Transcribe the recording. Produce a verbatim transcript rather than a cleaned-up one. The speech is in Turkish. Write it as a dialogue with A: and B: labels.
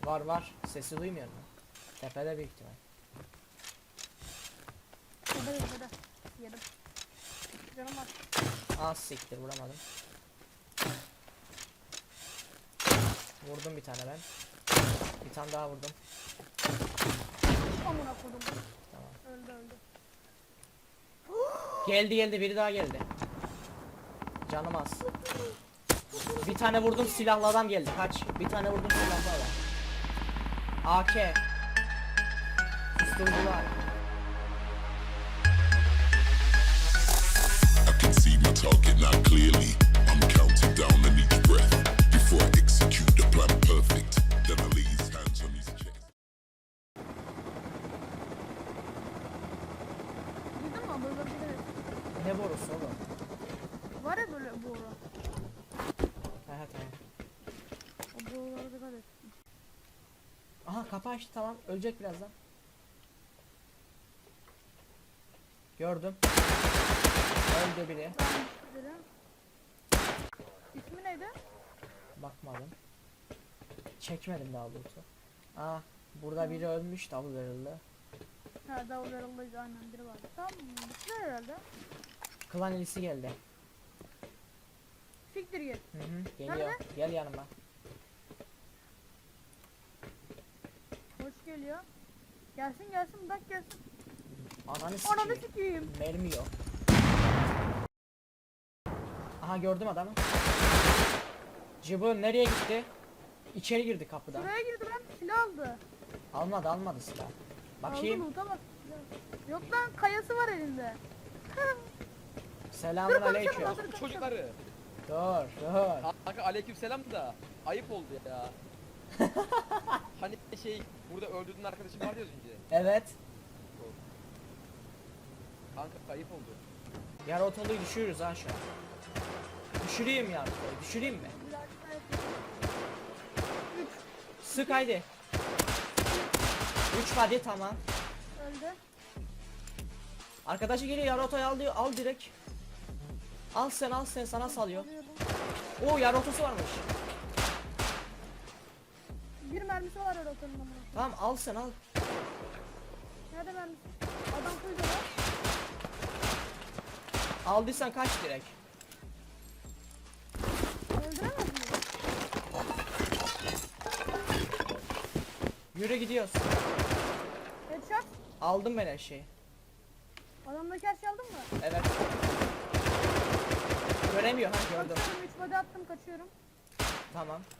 A: Var var. Sesi duymuyor mu? Tepede büyük ihtimal.
B: Tepede tepede. Yedim. Canım var.
A: Az siktir vuramadım. Vurdum bir tane ben. Bir tane daha vurdum.
B: Amına kodum.
A: Tamam.
B: Öldü öldü.
A: Geldi geldi biri daha geldi. Canım az. Bir tane vurdum silahlı adam geldi. Kaç. Bir tane vurdum silahlı adam. A K. Susturucular.
C: I can see my target now clearly. I'm counting down on each breath before I execute the plan perfect. Then I lay his hands on his chest.
B: Duydun mu? Böyle bir de
A: Ne borusu oğlum?
B: var ya böyle boru.
A: He he tamam.
B: O borulara dikkat et.
A: Aha kapı açtı tamam. Ölecek birazdan. Gördüm. Öldü biri.
B: Ben dedim. İsmi neydi?
A: Bakmadım. Çekmedim daha doğrusu. Aa burada biri ölmüş davul verildi.
B: Ha davul yaralıydı aynen biri vardı. Tamam bittiler herhalde.
A: Klan elisi geldi.
B: Siktir git.
A: Hı hı geliyor.
B: Nerede?
A: Gel yanıma.
B: Hoş geliyor. Gelsin gelsin bak gelsin.
A: Ananı
B: Ananı
A: sikeyim.
B: sikeyim.
A: Mermi yok. Aha gördüm adamı. Cıbı nereye gitti? İçeri girdi kapıdan.
B: Buraya girdi lan silah aldı.
A: Almadı almadı silah. Bakayım.
B: Aldı loot'a bak. Yok lan kayası var elinde.
A: Selamun
B: Dur,
A: aleyküm.
B: konuşalım, hazır.
D: Bu çocukları.
A: Dur dur.
D: Kanka aleykümselam da ayıp oldu ya. Hani şey burada öldürdüğün arkadaşım vardı ya az önce.
A: Evet.
D: Kanka ayıp oldu.
A: Yar otoluyu düşürürüz ha şu an. Düşüreyim ya. Düşüreyim mi? Sık haydi. üç hadi tamam.
B: Öldü.
A: Arkadaşı geliyor yar otoyu al diyor. Al direkt. Al sen al sen sana salıyor.
B: Alıyorum.
A: Oo yar otosu varmış.
B: Bir mermisi var öyle otelin amına.
A: Tamam al sen al.
B: Nerede mermisi? Adam kuydu lan.
A: Aldıysan kaç direkt.
B: Öldüremez mi?
A: Yürü gidiyoruz.
B: Headshot.
A: Aldım ben her şeyi.
B: Adamdaki her şeyi aldın mı?
A: Evet. Göremiyor ha gördüm.
B: Kaçıyorum üç body attım kaçıyorum.
A: Tamam.